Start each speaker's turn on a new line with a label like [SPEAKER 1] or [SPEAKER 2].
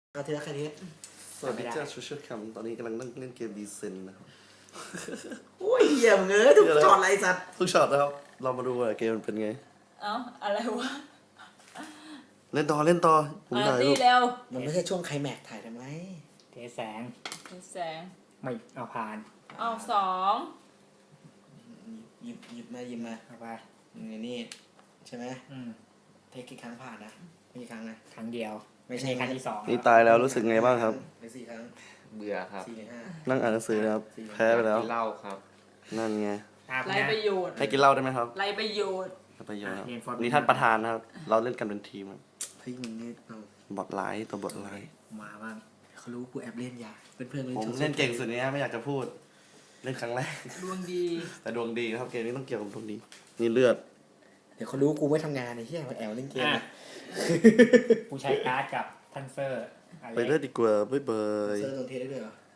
[SPEAKER 1] เอาทีละคดี
[SPEAKER 2] สวัสดีเจ้าชูเชอร์แคมตอนนี้กำลังนั่งเล่นเกมดีเซนนะครับ
[SPEAKER 1] โอ้ยเหี้ยมึงเอ้ยทุกช็อตไรสัตว์
[SPEAKER 2] ทุกช็อตนะครับ เรามาดูว่าเกมมันเป็นไง
[SPEAKER 3] เอ้าอะไรวะ
[SPEAKER 2] เล่นต่อผมถ่ายรู
[SPEAKER 3] ตี
[SPEAKER 2] ป
[SPEAKER 3] เร็ว
[SPEAKER 1] มันไม่ใช่ช่วงไคลแม็กซ์ถ่ายทำไม
[SPEAKER 4] เทแสง
[SPEAKER 3] แสง
[SPEAKER 4] ไม่เอาผ่าน
[SPEAKER 3] เอาสอง
[SPEAKER 1] หยิบมา
[SPEAKER 4] เอาไป
[SPEAKER 1] นี่ใช่ไหม
[SPEAKER 4] อืม
[SPEAKER 1] เทคกี่ครั้งผ่านนะไม่กี่ครั้งนะ
[SPEAKER 4] ครั้งเดียว
[SPEAKER 1] ไม่ใช่
[SPEAKER 4] ครั้งที่สอง
[SPEAKER 2] นี่ตายแล้วรู้สึกไงบ้างครับ
[SPEAKER 1] หรือ4 ครั้ง
[SPEAKER 5] เบื่อครับ
[SPEAKER 1] 4 หรือ
[SPEAKER 2] นั่งอ่านหนังสือนะครับ แพ้ไปแล้ว
[SPEAKER 5] กินเหล้าครับ
[SPEAKER 2] นั่นไง
[SPEAKER 4] อาบ
[SPEAKER 3] ไร
[SPEAKER 4] นะ
[SPEAKER 3] ประโยชน์
[SPEAKER 2] ให้กินเหล้าได้ไหมครับ
[SPEAKER 3] ไรประโยชน์
[SPEAKER 2] ให้ประโยชน์ครับ
[SPEAKER 4] เรียนฟอร์ม
[SPEAKER 2] นี่ท่านประธานนะครับ เราเล่นกันเป็นทีมครับ
[SPEAKER 1] 5เฮ้ยมึงเนี่ยเอา
[SPEAKER 2] บอทไลท์ตัวบอทไลท์
[SPEAKER 1] มาบ้างเขารู้กูแอบเล่นยาเพื่อนๆ
[SPEAKER 2] ผมเล่นเก่งสุดเนี้ยไม่อยากจะพูด เล่นครั้งแรก
[SPEAKER 3] ดวงดี
[SPEAKER 2] แต่ดวงดีครับเกมนี้ต้องเกี่ยวกับดวงดี นี่เลือด
[SPEAKER 1] เดี๋ยวเขารู้กูไม่ทำงานไอ้เหี้ยมาแอบเล่นเกม
[SPEAKER 4] อ่ะผู้ใช้การ์ดกับทันเซอร์อะไร
[SPEAKER 2] ไปเลือดดีกว่าบ๊ายบาย
[SPEAKER 1] เซอร์โดนเทได้ด้วยเหรอ